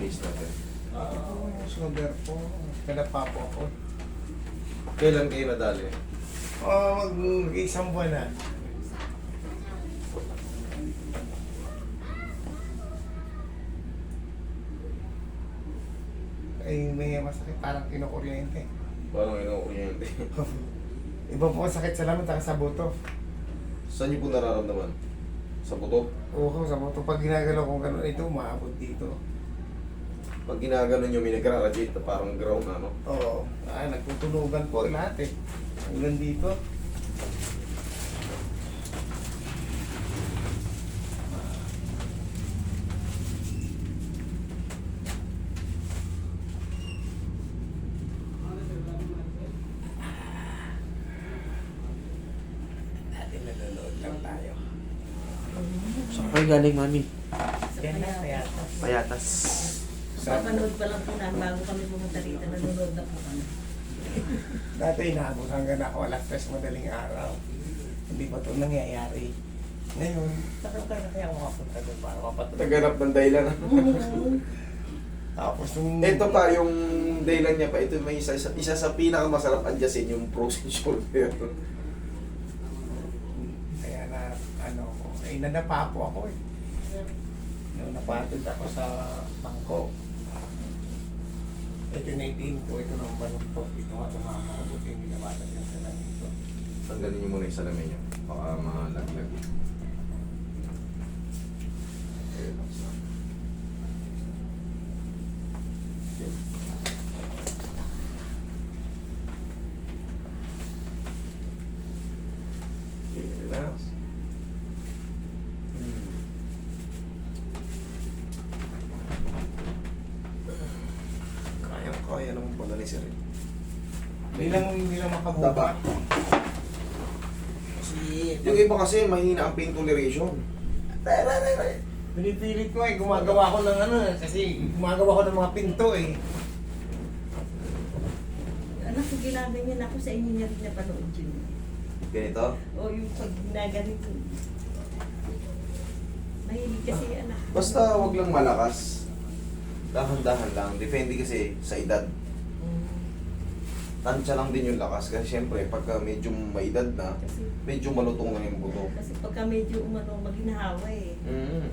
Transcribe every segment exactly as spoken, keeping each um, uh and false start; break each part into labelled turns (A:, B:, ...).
A: case natin.
B: Ah, sugar po. Kalapa po ako.
A: Kailan kayo nadali?
B: Oh, mag-isang buwan na. Ay, may masakit. Parang kinukuryente.
A: Parang inukuryente.
B: Iba po ang sakit sa laman, taka sa buto.
A: Saan niyo po nararamdaman? Sa buto?
B: Oo, sa buto. Pag ginagalaw ko gano'n, ito, umaabot dito.
A: Pag ginagano niyo, may nagra-radiate na parang ground na, no?
B: Oo. Ah, nagtutunugan po lahat eh. Hanggang dito. Natin nanonood lang tayo.
C: Saan kayo galing, mami?
B: Yan na, kaya.
C: Payatas.
D: Papanood pa lang po namin bago kami pumunta rito. Nanonood na po kami.
B: Dati inaabot hanggang ako alas tres madaling araw. Hindi pa ito nangyayari. Ngayon, takot na kaya ako makapunta doon para mapatuloy.
A: Naghanap ng dahilan.
B: Tapos nung...
A: Ito pa, yung dahilan niya pa, ito may isa, isa, isa sa pinakamasarap adjustin yung frozen shoulder.
B: Kaya na, ano ko, ay nadapa po ako eh. Nung napatid ako sa bangko. Ito na itin ko, ito nang balok po. Ito nga tumama ko, buti yung ginawatan yung salamin ko.
A: Tanggalin niyo muna yung salamin niyo. Baka malaglag. Relax lang. Okay. Okay, relax. Hmm. Kaya naman pala ni Sir.
B: Hindi lang, hindi lang makabuka.
A: Taba.
B: Kasi,
A: Yung iba kasi mahina ang pain toleration.
B: pinipilit ko eh, gumagawa ko ng ano, kasi gumagawa ko ng mga pinto eh.
D: Anak ko, ginaganyan ako sa inyo niya rin napanood yun.
A: Ganito?
D: O yung pag ginaganito. Mahilig kasi anak.
A: Basta wag lang malakas. Dahan-dahan lang. Depende kasi sa edad. Tansya lang din yung lakas. Kasi syempre, pagka medyo may edad na,
D: Kasi,
A: medyo malutong na yung buto.
D: kasi pagka medyo umano, maginahawa eh.
A: Mm.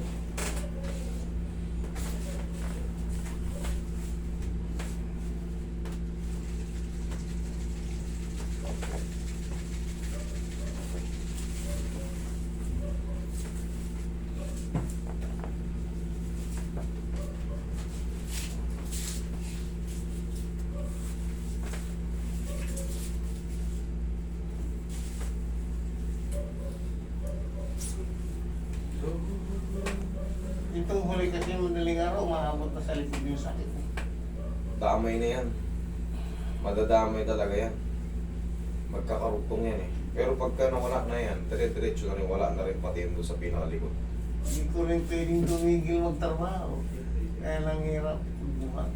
B: Itong huli kasi madaling araw, umaabot na sa likod yung sakit eh.
A: Damay na yan. Madadamay talaga yan. Magkakarugtong yan eh. Pero pagka nawala na yan, dire-diretso na rin, wala na rin pati yun doon sa pinakalikod.
B: Hindi ko rin pwedeng tumigil magtrabaho. Kaya lang hirap buhat.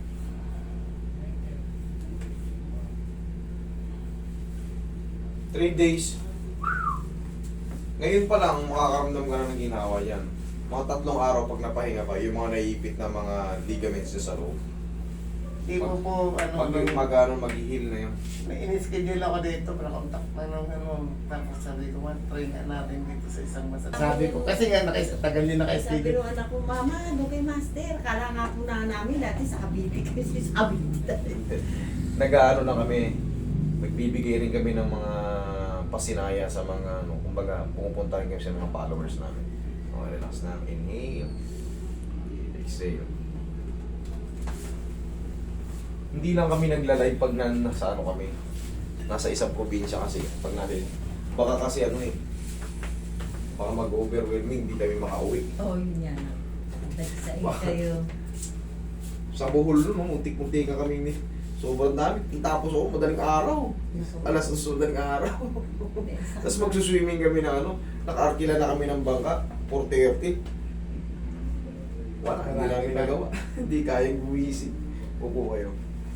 A: Three days. Ngayon pa lang, makakaramdam ka na ng ginawa yan. Mga tatlong araw pag napahinga ka, yung mga naiipit na mga ligaments niya sa loob.
B: Hindi ko po, ano,
A: Pag
B: nung-
A: mag-ano, mag-heal na yun.
B: may in-schedule ako dito, nakontak na nung ano, tapos sabi ko, man, try nga natin dito sa isang masa. Sabi ko, kasi nga, nakis, tagal din
D: Sabi
B: naka-schedule.
D: ng anak ko, Mama, ano kay Master? Kala nga po na namin dati sa Cavite kasi sabi dito.
A: Nag-ano na kami, nagbibigay rin kami ng mga pasinaya sa mga, ano, kumbaga, pumupunta rin kami sa mga followers namin. Okay, relax na. Inhale. Exhale. Hindi lang kami nagla-live pag na, nasa ano kami. Nasa isang probinsya kasi. Pag natin, baka kasi ano eh, baka mag-overwhelming, hindi kami makauwi.
D: Oo, oh, yun yan. Nagsain kayo.
A: Sa Bohol nun, no, muntik-muntik ka kami ni. Sobrang dami. Tapos ako, madaling araw. Alas ng madaling araw. Tapos magsuswimming kami na ano, naka-arkila na kami ng bangka, four thirty. Wala, hindi namin nagawa. Hindi kayang buwisit. Upo kayo.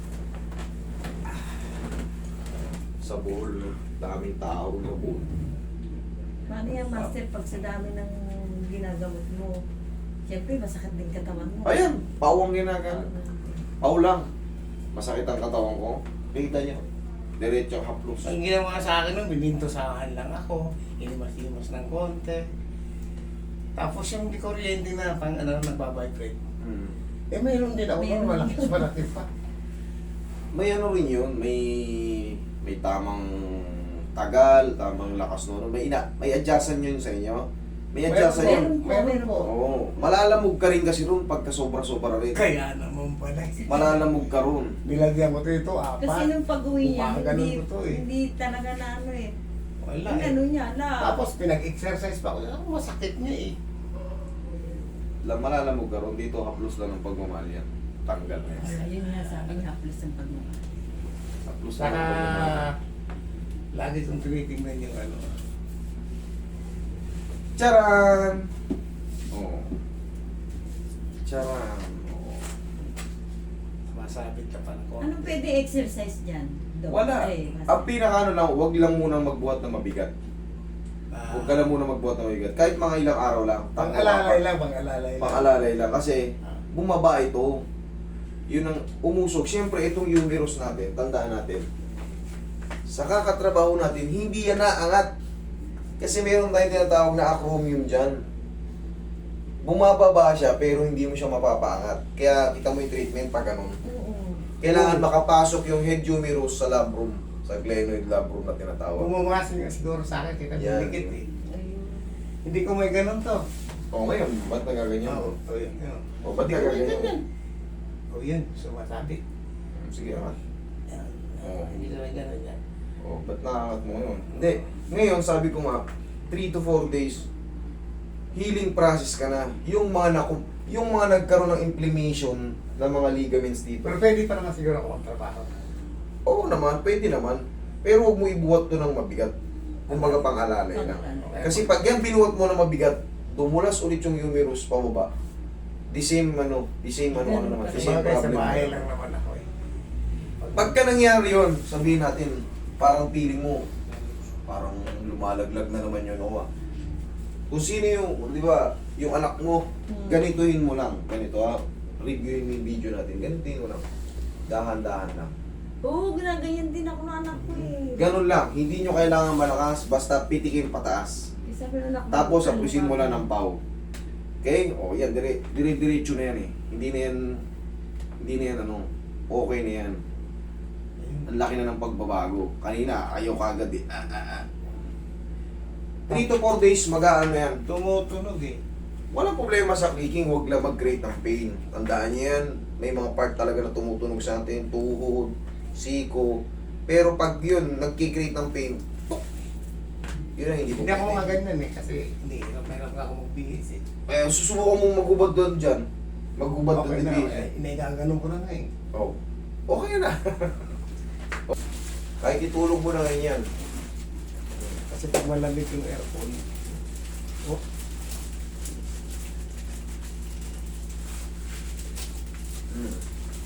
A: Sa Bohol, no, daming tao na Bohol.
D: Paano yan, Master, pag sa dami ng ginagamot mo, Siyempre, masakit din katawan mo.
A: Ayan, pawang ginagawa. Paw lang. Masakit ang katawan ko. Kita niyo. Diretso haplos.
B: Ang ginawa sa akin nun, binintosahan lang ako. Inimas-imas ng konti. Tapos yung di kuryente na pang ano, nagbabibrate.
A: Hmm.
B: Eh mayroon din ako nun,
D: Mayroon.
B: malaki malaki pa.
A: May ano rin yun, may may tamang tagal, tamang lakas no. May ina, may adjustment yun sa inyo. May adjustment yun.
D: Meron po,
B: Meron
D: meron
B: po.
D: po.
A: Oo. Malalamog ka rin kasi ron pagka sobra-sobra rin.
B: Kaya naman pala.
A: Malalamog ka ron.
B: Nilagyan ko to ito, apat.
D: Kasi nung pag-uwi niya,
B: Upang ganun
D: hindi,
B: ko to eh.
D: hindi talaga na ano eh.
B: Wala
D: Yung
B: eh.
D: ano niya, la.
B: Tapos pinag-exercise pa ako. Ako masakit niya eh.
A: La- Malalamog ka ron. Dito haplos lang ng pagmamahal yan. Tanggal na yan.
D: Ayun nga sabi niya, plus ang pagmamahal.
A: Haplos lang
B: Saka,
A: ng pagmamahal.
B: lagi kong tinitingnan yung ano.
A: Charan! Oo. Charan. Oo.
B: Masabit ka pa ng konti.
D: Anong pwede exercise dyan? Dok?
A: Wala.
D: Ay, mas-
A: Ang pinaka ano lang, wag lang muna magbuhat na mabigat.
B: Ah,
A: Huwag ka lang muna magbuhat na mabigat. Kahit mga ilang araw lang.
B: Pang-alalay lang, pang-alalay lang.
A: Pang-alalay lang. Kasi
B: Ah.
A: bumaba ito. Yun ang umusog. Siyempre, itong humerus natin, tandaan natin. Sa kakatrabaho natin, hindi yan naangat. Kasi meron tayong tinatawag na acromion dyan. Bumababa siya, pero hindi mo siya mapapaangat. Kaya kita mo yung treatment pag ganun.
D: Oo.
A: Kailangan makapasok yung head humerus sa labrum, sa glenoid labrum na tinatawag.
B: Bumumasin nga siguro sa akin, kita
A: Yan.
B: bilikit eh.
D: Ayun.
B: Hindi ko may ganun to.
A: O ngayon, ba't nagaganyan?
B: Oo, oh, yun, yun.
A: O ba't
B: Hindi ko may
A: nagaganyan?
B: ganyan. O yun, sumasabi.
A: Sige naman.
B: Yan.
A: Oo.
B: Hindi ko may ganun yan.
A: O, ba't nakakat mo ngayon? Hindi. Ngayon, sabi ko nga, three to four days, healing process ka na. Yung mga naku, yung mga nagkaroon ng inflammation ng mga ligaments dito.
B: Pero pwede pa naman siguro ako magtrabaho.
A: Oo naman, pwede naman. Pero huwag mo ibuhat to ng mabigat. Kumbaga pang-alalay lang. Kasi pag yan binuhat mo ng mabigat, dumulas ulit yung humerus pababa. The same ano, the same ano, ano naman, the same
B: Kumbaga sa
A: problem.
B: bahay lang naman ako eh.
A: Pagka nangyari yun, sabihin natin, parang feeling mo, parang lumalaglag na naman yun, Noah. Kung sino yung, di ba, yung anak mo,
D: Hmm.
A: ganituhin mo lang. Ganito ha, reviewin mo yung video natin, ganituhin mo lang. Dahan-dahan lang.
D: Oo, ginaganyan din ako ng anak ko eh.
A: Ganun lang, hindi nyo kailangan malakas, basta pitikin pataas.
D: Eh, sabi ng anak ko,
A: Tapos,
D: ano
A: apusin mo
D: ba?
A: lang ng pau. Okay? O, yan, dire, dire-diretso na yan eh. Hindi na yan, hindi na yan ano, okay na yan. Ang laki na ng pagbabago. Kanina, ayaw ka agad eh. Ah, ah, ah. three to four days, mag-aano yan.
B: Tumutunog eh.
A: Walang problema sa clicking, huwag lang mag-create ng pain. Tandaan niyo yan, may mga part talaga na tumutunog sa atin, tuhod, siko. Pero pag yun, nagkikreate ng pain, tuk! Yun ang hindi mo
B: Hindi ako
A: pwede.
B: mga ganyan eh, kasi hindi, meron ka ako magbihis eh.
A: Eh, susubukan mong magubad doon dyan. Magubad doon
B: Okay na,
A: din.
B: eh, inaigaganong ko na nga eh.
A: Oh. Okay na. Kahit itulog mo na ngayon yan.
B: Kasi pag malamig yung aircon, oh,
A: Hmm.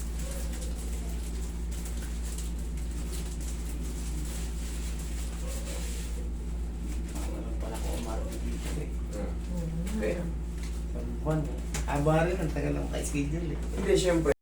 B: walang pala ko umarte dito eh.
A: Hmm.
D: Oo.
A: Okay.
B: Sa buwan eh. Aba rin, ang tagal lang ka-schedule eh.
A: Hindi, syempre.